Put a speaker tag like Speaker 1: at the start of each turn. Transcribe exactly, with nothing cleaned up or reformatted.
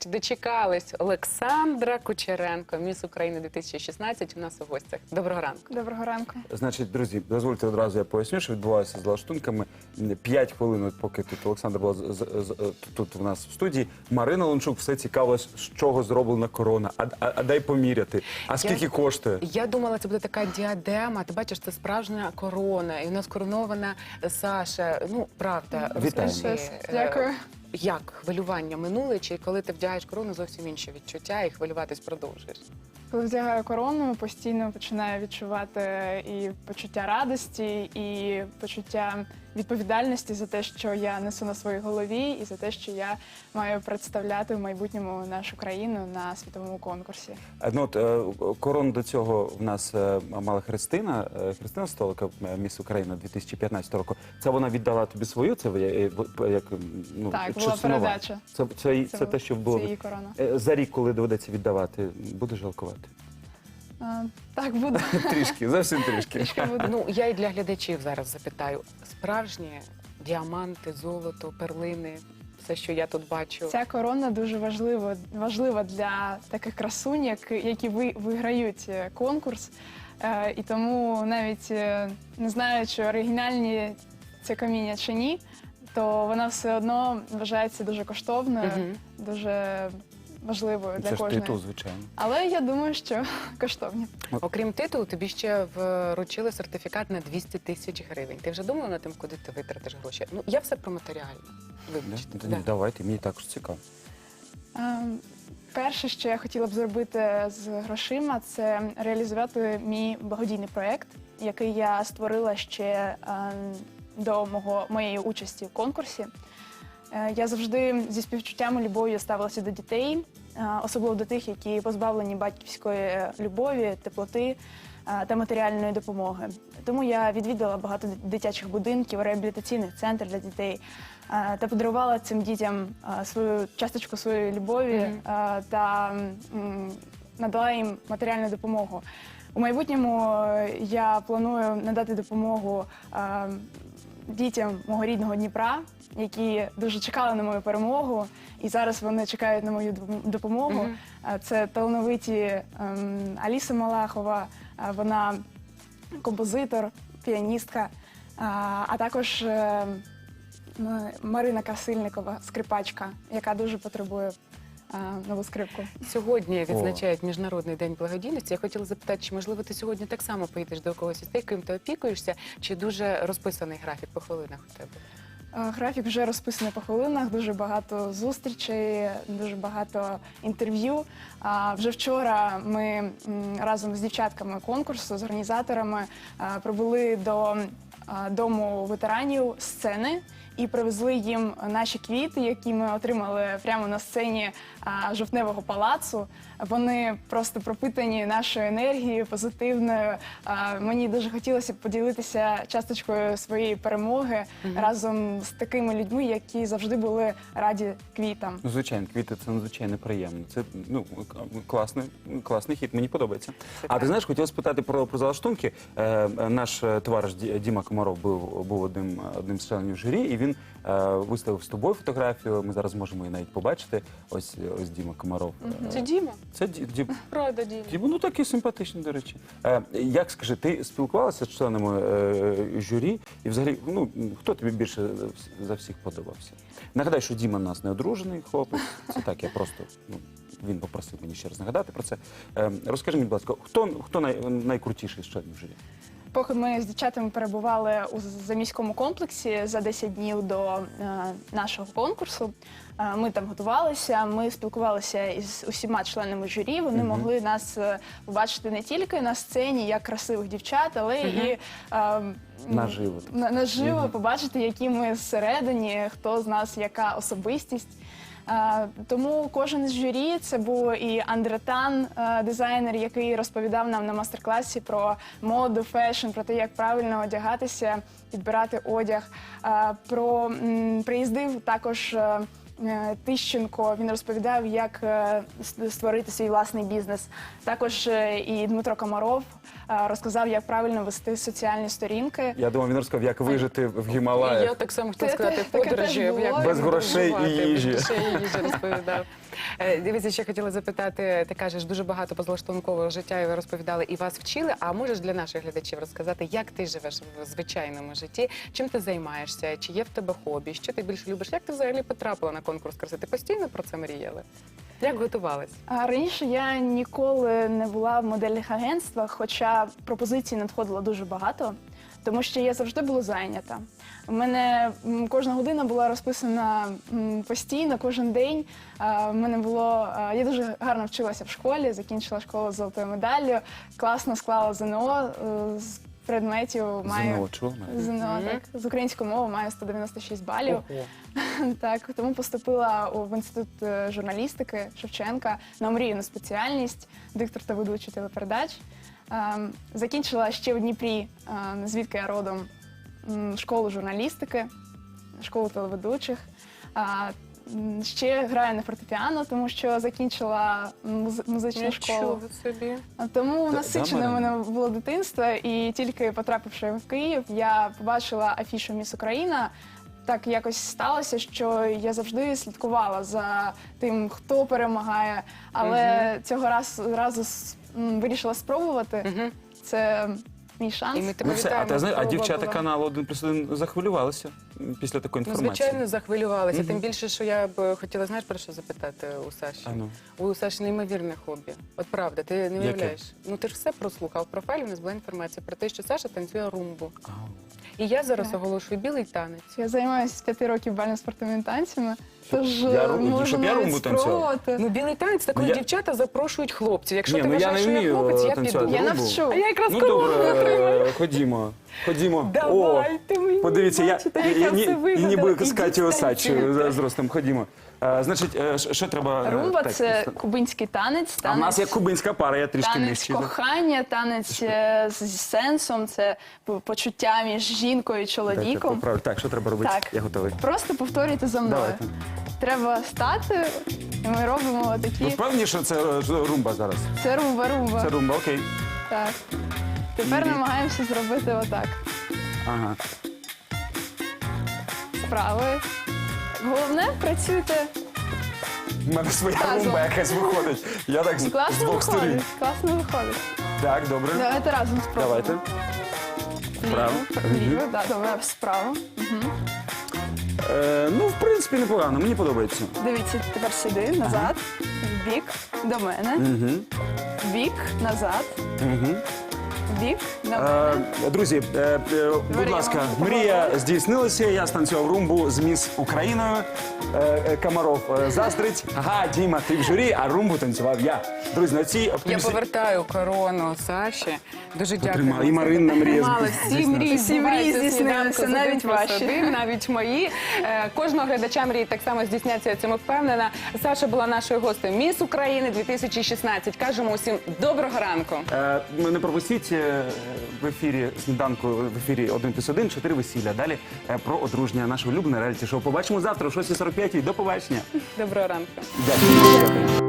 Speaker 1: нарешті дочекались. Олександра Кучеренко, міс України дві тисячі шістнадцять, у нас у гостях. Доброго ранку.
Speaker 2: Доброго ранку.
Speaker 3: Значить, друзі, дозвольте одразу я поясню, що відбувалося з лаштунками. П'ять хвилин, от поки тут Олександр була з- з- з- тут в нас в студії, Марина Лунчук все цікавилась, з чого зроблена корона. А, а, а дай поміряти. А скільки коштує?
Speaker 1: Я думала, це буде така діадема. Ти бачиш, це справжня корона. І у нас коронована Саша. Ну, правда.
Speaker 3: Вітаємо.
Speaker 1: Розкажи,
Speaker 2: Щось.
Speaker 1: е,
Speaker 2: Дякую.
Speaker 1: Як хвилювання минули, чи коли ти вдягаєш корону, зовсім інші відчуття і хвилюватись продовжуєш?
Speaker 2: Коли вдягаю корону, постійно починаю відчувати і почуття радості, і почуття відповідальності за те, що я несу на своїй голові, і за те, що я маю представляти в майбутньому нашу країну на світовому конкурсі.
Speaker 3: А, Ну, от, е, корону до цього в нас е, мала Христина, е, Христина Столика, е, міс Україна дві тисячі п'ятнадцятого року. Це вона віддала тобі свою? Це ви, е, е, як, ну,
Speaker 2: Так,
Speaker 3: чи
Speaker 2: була
Speaker 3: сумова?
Speaker 2: передача.
Speaker 3: Це, це, це, те, що було.
Speaker 2: Це її корона.
Speaker 3: Е, За рік, коли доведеться віддавати, будеш жалкувати?
Speaker 2: А, так, буду.
Speaker 3: Трішки, зовсім трішки.
Speaker 2: Трішки буду.
Speaker 1: Ну, я і для глядачів зараз запитаю. Справжні діаманти, золото, перлини, все, що я тут бачу.
Speaker 2: Ця корона дуже важлива, важлива для таких красунь, як- які ви, виграють е, конкурс. Е, і тому навіть е, не знаю, чи оригінальні це каміння чи ні, то вона все одно вважається дуже коштовною,
Speaker 1: Мгм.
Speaker 2: дуже важливою для
Speaker 3: Це ж
Speaker 2: кожної.
Speaker 3: титул, звичайно.
Speaker 2: Але я думаю, що коштовні.
Speaker 1: Окрім титулу, тобі ще вручили сертифікат на двісті тисяч гривень. Ти вже думала над тим, куди ти витратиш гроші? Ну, я все про матеріальне. Вибачте.
Speaker 3: Да?
Speaker 1: Да.
Speaker 3: Ну, давайте, мені також цікаво.
Speaker 2: Е, Перше, що я хотіла б зробити з грошима, це реалізувати мій благодійний проєкт, який я створила ще е, до мого, моєї участі в конкурсі. Е, Я завжди зі співчуттям і любов'ю ставилася до дітей, е, особливо до тих, які позбавлені батьківської любові, теплоти е, та матеріальної допомоги. Тому я відвідала багато дитячих будинків, реабілітаційних центрів для дітей е, та подарувала цим дітям е, свою часточку своєї любові
Speaker 1: Мгм.
Speaker 2: е, та м, надала їм матеріальну допомогу. У майбутньому е, я планую надати допомогу е, дітям мого рідного Дніпра, які дуже чекали на мою перемогу, і зараз вони чекають на мою дом- допомогу.
Speaker 1: Мгм.
Speaker 2: Е, Це талановиті ем, Аліса Малахова, е, вона композитор, піаністка, а, а також е, м, Марина Красильникова, скрипачка, яка дуже потребує е, нову скрипку.
Speaker 1: Сьогодні відзначають Міжнародний день благодійності. Я хотіла запитати, чи можливо ти сьогодні так само поїдеш до когось із тих, ким ти опікуєшся, чи дуже розписаний графік по хвилинах у тебе?
Speaker 2: Е, Графік вже розписаний по хвилинах, дуже багато зустрічей, дуже багато інтерв'ю. А вже вчора ми м, разом з дівчатками конкурсу, з організаторами е, прибули до е, дому ветеранів сцени і привезли їм наші квіти, які ми отримали прямо на сцені а, Жовтневого палацу. Вони просто пропитані нашою енергією, позитивною. А, Мені дуже хотілося б поділитися часточкою своєї перемоги разом з такими людьми, які завжди були раді квітам.
Speaker 3: Ну, звичайно, квіти це надзвичайно приємно. Це ну класний, класний хід, мені подобається. А ти знаєш, хотів спитати про, про залаштунки. Е, е, наш е, товариш Ді- Діма Комаров був, був одним, одним з членів журі, і він е, виставив з тобою фотографію. Ми зараз можемо її навіть побачити. Ось ось Діма Комаров. Е,
Speaker 1: Це Діма?
Speaker 3: Це Ді- Дім.
Speaker 1: Правда, Діма.
Speaker 3: Діма, ну такий симпатичний, до речі. Е, як скажи, ти спілкувалася з членами е, журі? І взагалі, ну хто тобі більше за всіх подобався? Нагадаю, що Діма у нас не одружений хлопець. Це так, я просто ну, він попросив мені ще раз нагадати про це. Е, розкажи мені, будь ласка, хто хто най, найкрутіший з членів журі?
Speaker 2: Поки ми з дівчатами перебували у заміському комплексі за десять днів до е, нашого конкурсу, е, ми там готувалися, ми спілкувалися із усіма членами журі. Вони
Speaker 3: Мгм.
Speaker 2: могли нас е, побачити не тільки на сцені як красивих дівчат, але
Speaker 1: Мгм.
Speaker 2: і е,
Speaker 3: Наживо.
Speaker 2: на- наживо
Speaker 3: Мгм.
Speaker 2: побачити, які ми зсередині, хто з нас яка особистість. Е, Тому кожен із журі, це був і Андретан, е, дизайнер, який розповідав нам на мастер-класі про моду, фешн, про те, як правильно одягатися, підбирати одяг. Е, Про м, приїздив також е, е, Тищенко, він розповідав, як е, с- створити свій власний бізнес. Також е, і Дмитро Комаров е, розказав, як правильно вести соціальні сторінки.
Speaker 3: Я думав, він розказав, як вижити в
Speaker 1: Я
Speaker 3: Гімалаях.
Speaker 1: так само хотіла
Speaker 2: Це
Speaker 1: сказати,
Speaker 2: те- таке
Speaker 1: подорожі,
Speaker 2: теж було.
Speaker 1: як
Speaker 3: Без грошей і
Speaker 1: подорожувати,
Speaker 3: їжі.
Speaker 1: Без грошей і їжі розповідав. Е, Дивіться, ще хотіла запитати, ти кажеш, дуже багато позаштовного життя, і ви розповідали, і вас вчили. А можеш для наших глядачів розказати, як ти живеш в звичайному житті, чим ти займаєшся, чи є в тебе хобі, що ти більше любиш? Як ти взагалі потрапила на конкурс краси? Ти постійно про це мріяла? Як готувалась?
Speaker 2: А раніше я ніколи не була в модельних агентствах, хоча пропозицій надходило дуже багато, тому що я завжди була зайнята. У мене м, кожна година була розписана м, постійно, кожен день. А, в мене було, а, я дуже гарно вчилася в школі, закінчила школу з золотою медаллю, класно склала ЗНО е, з предметів. Маю
Speaker 3: ЗНО, чого?
Speaker 2: ЗНО,
Speaker 1: Мгм.
Speaker 2: так, з української мови маю сто дев'яносто шість балів.
Speaker 1: Ого.
Speaker 2: Так, тому поступила у- в інститут е, журналістики Шевченка на омріяну спеціальність, диктор та ведучий телепередач. Ем, Закінчила ще в Дніпрі, ем, звідки я родом, м, школу журналістики, школу телеведучих. А, м, Ще граю на фортепіано, тому що закінчила муз- музичну школу.
Speaker 1: Нічого собі.
Speaker 2: А Тому
Speaker 3: Да-
Speaker 2: насичене
Speaker 3: да,
Speaker 2: в
Speaker 3: Марина?
Speaker 2: мене було дитинство, і тільки потрапивши в Київ, я побачила афішу «Міс Україна». Так якось сталося, що я завжди слідкувала за тим, хто перемагає, але цього раз, разу с- м, вирішила спробувати.
Speaker 1: Угу.
Speaker 2: Це мій шанс.
Speaker 1: І ми тебе
Speaker 3: Ну все, а
Speaker 1: вітаємо.
Speaker 3: ти знаєш, а
Speaker 1: Спроба
Speaker 3: дівчата
Speaker 1: була.
Speaker 3: каналу один плюс один захвилювалися м, після такої
Speaker 1: Ну,
Speaker 3: інформації.
Speaker 1: звичайно, захвилювалася.
Speaker 3: Мгм.
Speaker 1: Тим більше, що я б хотіла, знаєш, про що запитати у Саші?
Speaker 3: А ну.
Speaker 1: У Саші неймовірне хобі. От правда, ти не
Speaker 3: Яке?
Speaker 1: уявляєш. Ну ти ж все прослухав. В профайлі у нас була інформація про те, що Саша танцює румбу.
Speaker 3: Ау.
Speaker 1: І я зараз
Speaker 2: Так.
Speaker 1: оголошую білий танець.
Speaker 2: Я займаюся з п'яти років бально-спортивними танцями, тож
Speaker 3: я
Speaker 2: е,
Speaker 3: ру-
Speaker 2: можу
Speaker 3: щоб я
Speaker 2: навіть
Speaker 3: румбу танцював?
Speaker 2: спробувати.
Speaker 1: Ну, білий танець, так коли
Speaker 3: Ну, я-
Speaker 1: дівчата запрошують хлопців. Якщо
Speaker 3: Ні,
Speaker 1: ти
Speaker 3: ну, я
Speaker 1: вважаєш,
Speaker 3: не
Speaker 1: що я
Speaker 3: вмію,
Speaker 1: хлопець, я
Speaker 3: танцювати
Speaker 1: піду.
Speaker 2: Я
Speaker 3: румбу.
Speaker 2: навчу.
Speaker 1: А я якраз
Speaker 3: Ну
Speaker 1: кого
Speaker 3: добре, ходімо. Ходімо.
Speaker 1: Давайте мені.
Speaker 3: Подивіться, я,
Speaker 1: бачите,
Speaker 3: я,
Speaker 1: як
Speaker 3: я,
Speaker 1: я
Speaker 3: ні-
Speaker 1: все
Speaker 3: і
Speaker 1: вигадала.
Speaker 3: ніби
Speaker 1: Ідіть
Speaker 3: з Катю Осадчою
Speaker 1: танцюйте.
Speaker 3: з зростом. Ходімо. А, значить, е, що що треба? е,
Speaker 2: Румба
Speaker 3: так,
Speaker 2: це
Speaker 3: просто-
Speaker 2: кубинський танець.
Speaker 3: А в нас є
Speaker 2: танець-
Speaker 3: кубинська пара, я трішки
Speaker 2: Танець
Speaker 3: нижчий.
Speaker 2: кохання, танець е, з з сенсом, це п- почуття між жінкою і
Speaker 3: Дайте
Speaker 2: чоловіком.
Speaker 3: поправлю. Так, що треба робити?
Speaker 2: Так.
Speaker 3: Я готовий.
Speaker 2: Просто повторюйте за мною.
Speaker 3: Давайте.
Speaker 2: Треба стати, і ми робимо
Speaker 3: Ви
Speaker 2: такі.
Speaker 3: впевнені, що це е, ж румба зараз?
Speaker 2: Це румба, румба.
Speaker 3: Це румба, окей.
Speaker 2: Так. Тепер
Speaker 3: Ні.
Speaker 2: намагаємося зробити отак.
Speaker 3: Ага.
Speaker 2: Справи. Головне, працюйте.
Speaker 3: У мене своя
Speaker 2: Разом.
Speaker 3: румба якась виходить. Я так з, з
Speaker 2: Класно
Speaker 3: двох сторін.
Speaker 2: виходить. Класно виходить.
Speaker 3: Так, добре.
Speaker 2: Давайте разом спробуємо.
Speaker 3: Давайте.
Speaker 2: Ліво,
Speaker 3: Вправо.
Speaker 2: ліво, да, добре, справа.
Speaker 3: Е, ну, в принципі, непогано, мені подобається.
Speaker 2: Дивіться, тепер сюди, назад, в бік, до мене,
Speaker 3: Угу.
Speaker 2: в бік, назад,
Speaker 3: Угу.
Speaker 2: в бік, до
Speaker 3: Е,
Speaker 2: мене.
Speaker 3: друзі, е, е, будь
Speaker 2: Говоримо.
Speaker 3: ласка, мрія здійснилася. Я станцював румбу з міс Україною. Е, е, Комаров е, заздрить. Ага, Діма, ти в журі, а румбу танцював я. Друзі, на цій
Speaker 1: Я
Speaker 3: оптимісті...
Speaker 1: повертаю корону Саші. Дуже дякую.
Speaker 3: Потримала.
Speaker 1: вам
Speaker 3: І
Speaker 1: за
Speaker 3: Маринна
Speaker 1: те.
Speaker 3: мрія
Speaker 1: Потримала.
Speaker 3: збу-
Speaker 1: Всі мрії
Speaker 2: Всі мрії
Speaker 1: збуваються в
Speaker 2: здійснилися,
Speaker 1: сніданку з
Speaker 2: навіть
Speaker 1: один плюс
Speaker 2: ваші.
Speaker 1: один, навіть мої. Е, Кожного глядача мрії так само здійсняться, я в цьому впевнена. Саша була нашою гостею Міс України дві тисячі шістнадцять. Кажемо усім доброго ранку.
Speaker 3: Е, не пропустіть е, в ефірі сніданку, в ефірі один плюс один, чотири весілля. Далі е, про одруження, наше улюблене реаліті-шоу. Побачимо завтра о шостій сорок п'ять. До побачення.
Speaker 1: Доброго ранку.
Speaker 3: Дякую. Дякую.